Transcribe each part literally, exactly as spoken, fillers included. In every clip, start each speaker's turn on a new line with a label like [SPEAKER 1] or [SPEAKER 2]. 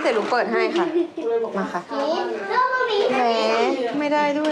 [SPEAKER 1] ดี๋ยวลุงเปิดให้ค่ะมาค่ะแหมไม่ได้ด้วย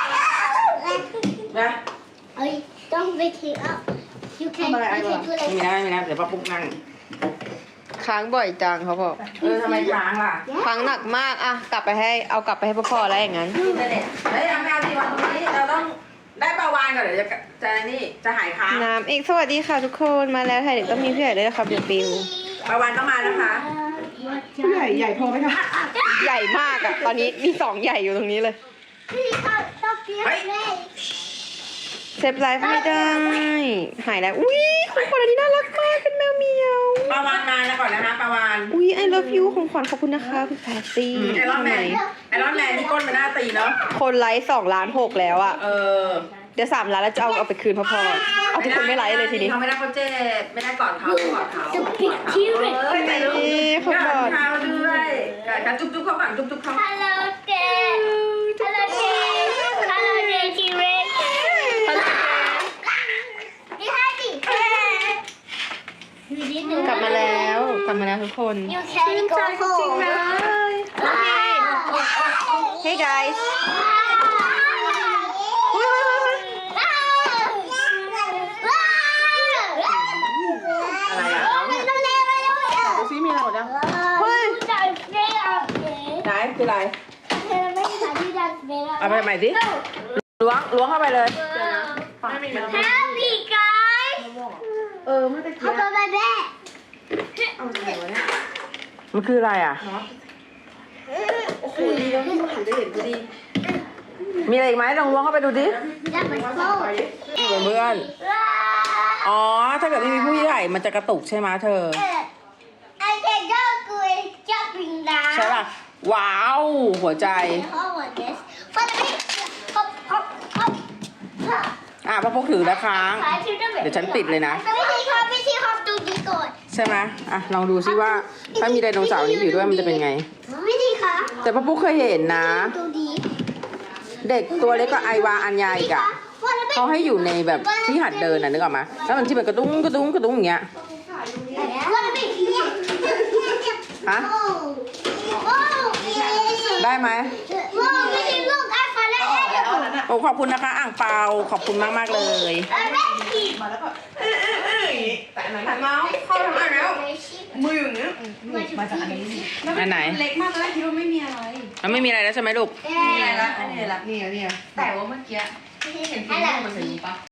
[SPEAKER 2] นะ
[SPEAKER 3] เอ้ยต้องไปทิ้งอ่ะ you can
[SPEAKER 2] ทำอะไรไอ้
[SPEAKER 3] you
[SPEAKER 2] วะ
[SPEAKER 3] can do
[SPEAKER 2] ไม่
[SPEAKER 3] that
[SPEAKER 2] ได้ไม่ได้เดี๋ยวป้าปุ๊กนั่ง
[SPEAKER 1] ค้างบ่อยจังเขาบอก
[SPEAKER 2] เออทำไมค้างล่ะ
[SPEAKER 1] ค้างหนักมากอะกลับไปให้เอากลับไปให้พ่อๆแล้วอย่างนั้น
[SPEAKER 2] อินเทอร์เน็ตเฮ้ยเอาไม่เอาที่วันตรงนี้เราต้องได้ปลาวานก่อนเดี๋ยวจะจะนี่จะหายค้าง
[SPEAKER 1] น้ำอีกสวัสดีค่ะทุกคนมาแล้วค่ะเด็กต้องมีพี่ใหญ่ด้วยนะครับเดี๋ยวปิว
[SPEAKER 2] ปลาวานต้องมานะคะ
[SPEAKER 4] ใหญ่ใหญ่พอไหมคะ
[SPEAKER 1] ใหญ่มากอะตอนนี้มีสองใหญ่อยู่ตรงนี้เลย
[SPEAKER 2] เฮ้ย
[SPEAKER 1] เซฟไลฟ์ไม่ได้หายแล้วอุ้ยของขวัญอันนี้น่ารักมากเป็นแมวเหมียว
[SPEAKER 2] ปลาวานมาแล้วก่อนนะคะปลาวาน
[SPEAKER 1] อุ้ย I love you ของขวัญขอบคุณนะคะคุณแพตตี้
[SPEAKER 2] ไอรอนแมนไอรอนแมนนี่ก้นมันน่าตีเนาะ
[SPEAKER 1] คนไลฟ์สองล้านหกแล้วอะ
[SPEAKER 2] เออ
[SPEAKER 1] เดี๋ยวสามล้านแล้วจะเอาเอาไปคืนพ่อๆเอาทุกคนไม่ไลฟ์เลยทีนี้
[SPEAKER 2] เขาไม่ได้เขาเจ็บไม่ได้กอดเขากอดเขา
[SPEAKER 3] จะปิดที่เลย
[SPEAKER 2] เฮ้ยใจลูก
[SPEAKER 1] นี่เขากอด
[SPEAKER 2] เขาด้วยการจุ๊บจุ๊บเขาฝั่งจุ๊บจุ๊บเขา
[SPEAKER 3] Hello Dad Hello Dad Hello Dad T-Rex นี่ให้ดิมีนิดนึง
[SPEAKER 1] กลับมาแล้วกลับมาแล้วทุกคน
[SPEAKER 3] You can go home
[SPEAKER 1] Hey guys
[SPEAKER 2] อะไรอ่ะ
[SPEAKER 4] ดูซิมีอะไรหมดยัง
[SPEAKER 1] เฮ้ย
[SPEAKER 2] ไหนคืออะไร เอาไปใหม่สิล้วงล้วงเข้าไปเลย
[SPEAKER 3] Happy guys
[SPEAKER 4] เออเมื่อตะกี้
[SPEAKER 3] เอาไปแม่
[SPEAKER 4] เอาไหนวะเนี่ย
[SPEAKER 2] มันคืออะไรอ่ะ
[SPEAKER 4] โอ้โหดีแล้วที่หันจะเห็นพอดี
[SPEAKER 2] มีอะไรอีกไหมลองล้วงเข้าไปดูดิ
[SPEAKER 3] จะเหมือนโซ่
[SPEAKER 2] เพื่อนๆอ๋อ ถ้าเกิดไม่มีผู้ใหญ่มันจะกระตุกใช่ไหมเธอ
[SPEAKER 3] ไอเด็กก็คือจะปิงดา
[SPEAKER 2] ใช่ป่ะ ว้าว หัวใจ
[SPEAKER 3] เขาเหมือนเดสฟันไม่ฮอปฮอปฮอป
[SPEAKER 2] อ่ะพ่อพกถือแล้วค้าง เดี๋ยวฉันปิดเลยนะ
[SPEAKER 3] ไม่ใช่ครับไม่ใช่ครับดูดีก่อน
[SPEAKER 2] ใช่ไหมอ่ะ ลองดูซิว่า ถ้ามีไดโนเสาร์นี้อยู่ด้วยมันจะเป็นไง
[SPEAKER 3] ไม่ดีค่ะ
[SPEAKER 2] แต่พ่อปุ๊กเคยเห็นนะ
[SPEAKER 3] ดูดี
[SPEAKER 2] เด็กตัวเล็กกว่าไอวาอัญญาอีกอ่ะเขาให้อยู่ในแบบที่หัดเดินน่ะนึกออกไหมแล้วมันที่มันกระตุ้งกระตุ้งกระตุ้งอย่างเงี้ย ฮะ ได้ไหม
[SPEAKER 3] ไม่ใช่ลูกอัลฟาและแอด
[SPEAKER 2] โอ้ขอบคุณนะคะ อ่างเปา ขอบคุณมากมากๆเลย
[SPEAKER 4] มาแล้วก็เออเออเอออย่างงี้แต่อันนั้นหันมาเข้าทางไหนแล้วมืออย่างเงี้ยมาจากอันนี้
[SPEAKER 2] อันไหน
[SPEAKER 4] เล็กมากตอนแรกคิดว่าไม่มีอะไร
[SPEAKER 2] แล้วไม่มีอะไรแล้วใช่ไหมลูก
[SPEAKER 4] นี่ไงละอันนี้ละนี่ไงนี่ไงแต่ว่าเมื่อกี้เห็นฟิล์มมันจะมีปะ